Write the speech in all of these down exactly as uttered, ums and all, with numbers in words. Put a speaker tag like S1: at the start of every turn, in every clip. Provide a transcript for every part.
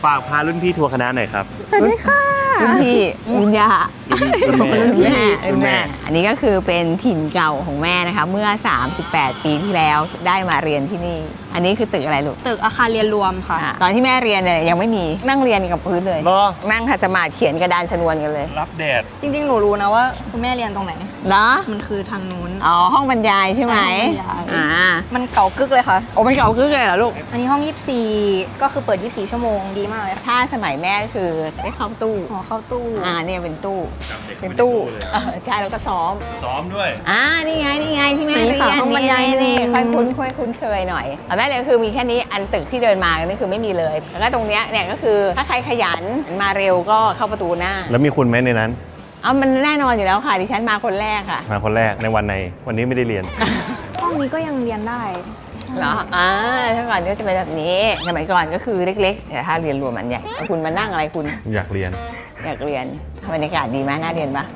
S1: ฝากพารุ่นพี่ทัวร์คณะหน่อยครับ
S2: สวัสดีค่ะรุ่นพี่รุ่นย่า
S1: รุ่นแม่
S2: รุ่นแม่
S1: รุ่
S2: รุ่
S1: น
S2: น
S1: แม่
S2: แม่อันนี้ก็คือเป็นถิ่นเก่าของแม่นะคะเมื่อสามสิบแปดปีที่แล้วได้มาเรียนที่นี่อันนี้คือตึกอะไรลูก
S3: ตึกอาคารเรียนรวมค่ะ
S2: อ่ะตอนที่แม่เรียนเนี่ยยังไม่มีนั่งเรียนกับพื้นเลย
S1: เหรอ
S2: นั่งขัดสมาธิเขียนกระดานชนวนกันเลย
S1: รับแดด
S3: จริงๆ หนูรู้นะว่าคุณแม่เรียนตรงไหน
S2: เหรอ
S3: มันคือทางนู้น
S2: อ๋อห้องบรรยายใช่ไหม
S3: ใช่ห้องบรรยาย
S2: อ่า
S3: มันเก่ากึกเลยค่ะ
S2: โอ้เป็นเก่าคึกเลยเหรอลูก
S3: อันนี้ห้องยี่สิบสี่ก็คือเปิดยี่สิบสี่ชั่วโมงดีมากเลยค่ะ
S2: ถ้าสมัยแม่คือได้เข้าตู้
S3: หอเข้าตู้
S2: อ่าเนี่ยเป็นตู้
S1: จำเด็ก
S2: เป็น
S1: ไม่ได้
S2: ตู้
S1: เลย
S2: เออใช่แล้วก็ซ้อม
S1: ซ้อมด้วย
S2: อ่านี่ไงนี่ไงที่แม่
S3: นี่
S2: เรียน
S3: ค่ะห้องบรรยาย
S2: นี่
S3: หนึ่ง
S2: ค่อยคุ้นค่อยคุ้นเคยหน่อยแต่แม่เรียนคือมีแค่นี้อันตึกที่เดินมานี่คือไม่มีเลยแล้วก็ตรงเนี้ยเนี่ยก็คือถ้าใครขยันมาเร็วก็เข้าประตูหน้า
S1: แล้วมีคุณไหมในนั้น
S2: เอามันแน่นอนอยู่แล้วค่ะดิฉันมาคนแรกค่ะ
S1: มาคนแรกในวันในวันนี้ไม่ได้เรียน
S3: ห้องนี้ก็ยังเรียนได้
S2: เหรออ่าถ้าก่อนก็จะเป็นแบบนี้สมัยก่อนก็คือเล็กๆแต่ถ้าเรียนรวมมันใหญ่แล้วคุณมานั่งอะไรคุณ
S1: อยากเรียน
S2: อยากเรียนบรรยากาศดีไหมน่าเรียนปะ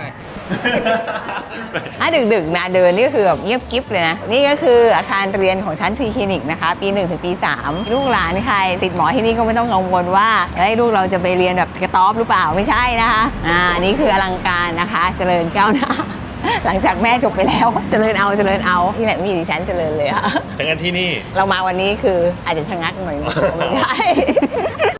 S2: ถ้าดึกๆนะเดินนี่ก็คือแบบเงียบกิ๊บเลยนะ นี่ก็คืออาคารเรียนของชั้นพรีคลินิกนะคะ ปีหนึ่งถึงปีสามลูกหลานใครติดหมอที่นี่ก็ไม่ต้องกังวลว่าเฮ้ยลูกเราจะไปเรียนแบบกระต๊อบหรือเปล่าไม่ใช่นะคะอ่านี่คืออลังการนะคะ เจริญก้าวหน้า หลังจากแม่จบไปแล้ว เจริญเอาเจริญเอาที่ไหนไม่มีดิฉันเจริญเลยค่ะ
S1: แต่งั้นที่นี่
S2: เรามาวันนี้คืออาจจะชะงักหน่อยนึงไม่ใช่